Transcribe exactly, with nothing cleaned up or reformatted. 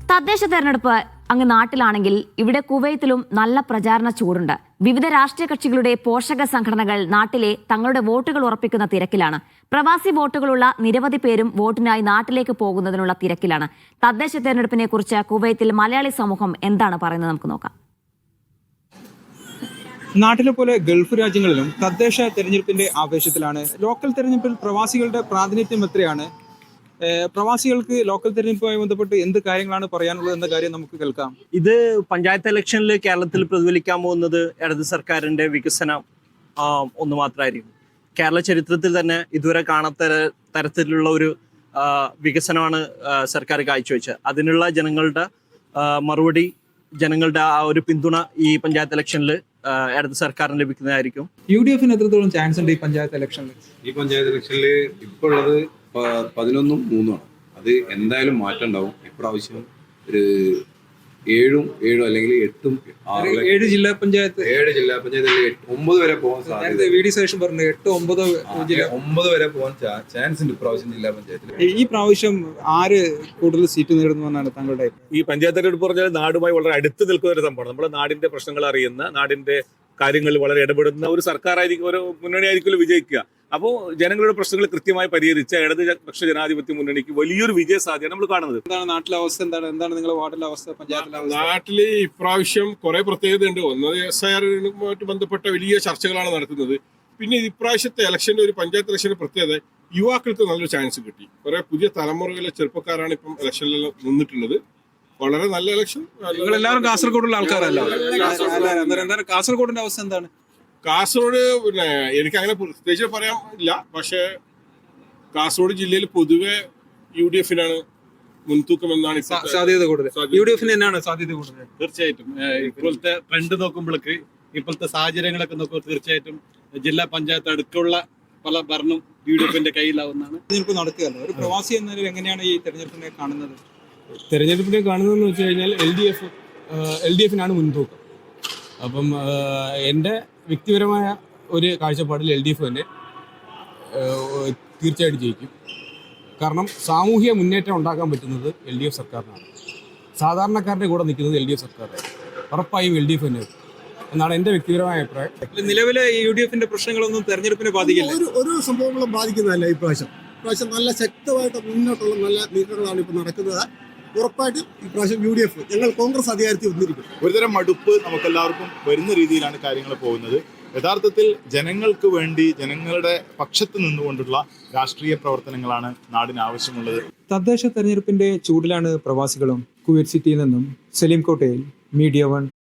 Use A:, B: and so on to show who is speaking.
A: തദ്ദേശ തെരഞ്ഞെടുപ്പ് അങ്ങ് നാട്ടിലാണെങ്കിൽ ഇവിടെ കുവൈത്തിലും നല്ല പ്രചാരണ ചൂടുണ്ട്. വിവിധ രാഷ്ട്രീയ കക്ഷികളുടെ പോഷക സംഘടനകൾ നാട്ടിലെ തങ്ങളുടെ വോട്ടുകൾ ഉറപ്പിക്കുന്ന തിരക്കിലാണ്. പ്രവാസി വോട്ടുകളുള്ള നിരവധി പേരും വോട്ടിനായി നാട്ടിലേക്ക് പോകുന്നതിനുള്ള തിരക്കിലാണ്. തദ്ദേശ തെരഞ്ഞെടുപ്പിനെ കുറിച്ച് കുവൈത്തിൽ മലയാളി സമൂഹം എന്താണ് പറയുന്നത് നമുക്ക് നോക്കാം.
B: നാട്ടിലെ പോലെ ഗൾഫ് രാജ്യങ്ങളിലും തദ്ദേശ തെരഞ്ഞെടുപ്പിന്റെ ആവേശത്തിലാണ്. ലോക്കൽ തെരഞ്ഞെടുപ്പിൽ പ്രവാസികളുടെ പ്രാതിനിധ്യം എത്രയാണ്? പ്രവാസികൾക്ക് ലോക്കൽ തെരഞ്ഞെടുപ്പുമായി ബന്ധപ്പെട്ട് എന്ത് കാര്യങ്ങളാണ് പറയാനുള്ളത് എന്ന കാര്യം നമുക്ക് കേൾക്കാം.
C: ഇത് പഞ്ചായത്ത് ഇലക്ഷനിൽ കേരളത്തിൽ പ്രതിഫലിക്കാൻ പോകുന്നത് ഇടത് സർക്കാരിന്റെ വികസനം ഒന്ന് മാത്രമായിരിക്കും. കേരള ചരിത്രത്തിൽ തന്നെ ഇതുവരെ കാണാത്ത തരത്തിലുള്ള ഒരു വികസനമാണ് സർക്കാർ കാഴ്ചവെച്ചത്. അതിനുള്ള ജനങ്ങളുടെ മറുപടി, ജനങ്ങളുടെ ആ ഒരു പിന്തുണ ഈ പഞ്ചായത്ത് ഇലക്ഷനിൽ ഇടത് സർക്കാരിന് ലഭിക്കുന്നതായിരിക്കും.
B: യു ഡി എഫിന് എത്രത്തോളം ചാൻസ് ഉണ്ട് ഈ പഞ്ചായത്ത് ഇലക്ഷനിൽ?
D: ഈ പഞ്ചായത്ത് ഇലക്ഷനിൽ ഇപ്പോൾ ഉള്ളത് പതിനൊന്നും മൂന്നുമാണ്. അത് എന്തായാലും മാറ്റം ഉണ്ടാവും. ഇപ്രാവശ്യം ഒരു ഏഴും ഏഴും അല്ലെങ്കിൽ എട്ടും
B: ഏഴ് ജില്ലാ പഞ്ചായത്ത്
D: ഏഴ് ജില്ലാ പഞ്ചായത്തിൽ ഒമ്പത് വരെ പോകാൻ സാധ്യത.
B: വി ഡി സതീശൻ പറഞ്ഞു എട്ടോ ഒമ്പതോ
D: ഒമ്പത് വരെ പോകാൻ ചാൻസ് ഉണ്ട് ഇപ്രാവശ്യം ജില്ലാ പഞ്ചായത്തിൽ.
B: ഈ പ്രാവശ്യം ആര് കൂടുതൽ സീറ്റ് നേടുന്നു എന്നാണ് താങ്കളുടെ?
E: ഈ പഞ്ചായത്ത് തെരഞ്ഞെടുപ്പ് പറഞ്ഞാൽ നാടുമായി വളരെ അടുത്ത് നിൽക്കുന്ന ഒരു സംഭവമാണ്. നമ്മുടെ നാടിന്റെ പ്രശ്നങ്ങൾ അറിയുന്ന, നാടിന്റെ കാര്യങ്ങളിൽ വളരെ ഇടപെടുന്ന ഒരു സർക്കാരായിരിക്കും, ഒരു മുന്നണിയായിരിക്കും വിജയിക്കുക. അപ്പോൾ ജനങ്ങളുടെ പ്രശ്നങ്ങൾ കൃത്യമായി പരിഹരിച്ച ഇടതുപക്ഷ ജനാധിപത്യ മുന്നണിക്ക് വലിയൊരു വിജയ സാധ്യത നമ്മൾ കാണുന്നത്.
B: എന്താണ് നാട്ടിലെ അവസ്ഥ? എന്താണ് എന്താണ് നിങ്ങളുടെ വാർഡിലെ അവസ്ഥ, പഞ്ചായത്തിലെ അവസ്ഥ?
F: നാട്ടില് ഇപ്രാവശ്യം കുറെ പ്രത്യേകതയുണ്ട്. ഒന്ന് എസ് ഐ ആറുമായിട്ട് ബന്ധപ്പെട്ട വലിയ ചർച്ചകളാണ് നടക്കുന്നത്. പിന്നെ ഇപ്രാവശ്യത്തെ ഇലക്ഷന്റെ ഒരു പഞ്ചായത്ത് ഇലക്ഷന്റെ പ്രത്യേകത, യുവാക്കൾക്ക് നല്ലൊരു ചാൻസ് കിട്ടി. കുറെ പുതിയ തലമുറയിലെ ചെറുപ്പക്കാരാണ് ഇപ്പം ഇലക്ഷനിൽ നിന്നിട്ടുള്ളത്. വളരെ നല്ല ഇലക്ഷൻ.
B: എല്ലാവരും കാസർഗോഡുള്ള ആൾക്കാരല്ല. എന്താണ് കാസർഗോഡിന്റെ അവസ്ഥ എന്താണ്?
F: കാസർഗോഡ് പിന്നെ എനിക്ക് അങ്ങനെ പ്രത്യേകിച്ച് പറയാൻ ഇല്ല. പക്ഷേ കാസർഗോഡ് ജില്ലയിൽ പൊതുവെ യു ഡി എഫിനാണ് മുൻതൂക്കം എന്നാണ്
B: സാധ്യത കൂടുതൽ. യു ഡി എഫിന് തന്നെയാണ് സാധ്യത കൂടുതൽ.
G: തീർച്ചയായിട്ടും ഇപ്പോഴത്തെ ട്രെൻഡ് നോക്കുമ്പോഴേക്ക്, ഇപ്പോഴത്തെ സാഹചര്യങ്ങളൊക്കെ നോക്കുമ്പോൾ തീർച്ചയായിട്ടും ജില്ലാ പഞ്ചായത്ത് അടുത്തുള്ള പല ഭരണം യു ഡി എഫിന്റെ കയ്യിലാവുന്നതാണ്.
B: തെരഞ്ഞെടുപ്പ് നടക്കുകയല്ലോ. ഒരു പ്രവാസി എന്ന നിലയിൽ എങ്ങനെയാണ് ഈ തെരഞ്ഞെടുപ്പിനെ കാണുന്നത്?
H: തെരഞ്ഞെടുപ്പിനെ കാണുന്നതെന്ന് വെച്ച് കഴിഞ്ഞാൽ എൽ ഡി എഫ് എൽ ഡി എഫിനാണ് മുൻതൂക്കം. അപ്പം എൻ്റെ വ്യക്തിപരമായ ഒരു കാഴ്ചപ്പാടിൽ എൽ ഡി എഫ് തന്നെ തീർച്ചയായിട്ടും ജയിക്കും. കാരണം സാമൂഹിക മുന്നേറ്റം ഉണ്ടാക്കാൻ പറ്റുന്നത് എൽ ഡി എഫ് സർക്കാരിനാണ്. സാധാരണക്കാരുടെ കൂടെ നിൽക്കുന്നത് എൽ ഡി എഫ് സർക്കാരാണ്. ഉറപ്പായും എൽ ഡി എഫ് തന്നെ എന്നാണ് എൻ്റെ വ്യക്തിപരമായ അഭിപ്രായം.
B: നിലവിലെ യു ഡി എഫിന്റെ പ്രശ്നങ്ങളൊന്നും തെരഞ്ഞെടുപ്പിനെ ബാധിക്കില്ല.
I: ഒരു ഒരു സംഭവങ്ങളും ബാധിക്കുന്നതല്ല. ഇപ്രാവശ്യം ഇപ്രാവശ്യം നല്ല ശക്തമായിട്ട് മുന്നോട്ടുള്ള നല്ല നീക്കങ്ങളാണ് ഇപ്പോൾ നടക്കുന്നത്. ഉറപ്പായിട്ടും ഇപ്രാവശ്യം യു ഡി എഫ്, ഞങ്ങൾ കോൺഗ്രസ് അധികാരത്തിൽ വന്നിരിക്കും.
J: ഒരുതരം മടുപ്പ് നമുക്കെല്ലാവർക്കും വരുന്ന രീതിയിലാണ് കാര്യങ്ങൾ പോകുന്നത്. യഥാർത്ഥത്തിൽ ജനങ്ങൾക്ക് വേണ്ടി, ജനങ്ങളുടെ പക്ഷത്ത് നിന്നുകൊണ്ടുള്ള രാഷ്ട്രീയ പ്രവർത്തനങ്ങളാണ് നാടിന് ആവശ്യമുള്ളത്.
B: തദ്ദേശ തെരഞ്ഞെടുപ്പിന്റെ ചൂടിലാണ് പ്രവാസികളും. കുവൈറ്റ് സിറ്റിയിൽ നിന്നും സലീം കോട്ടയിൽ, മീഡിയ വൺ.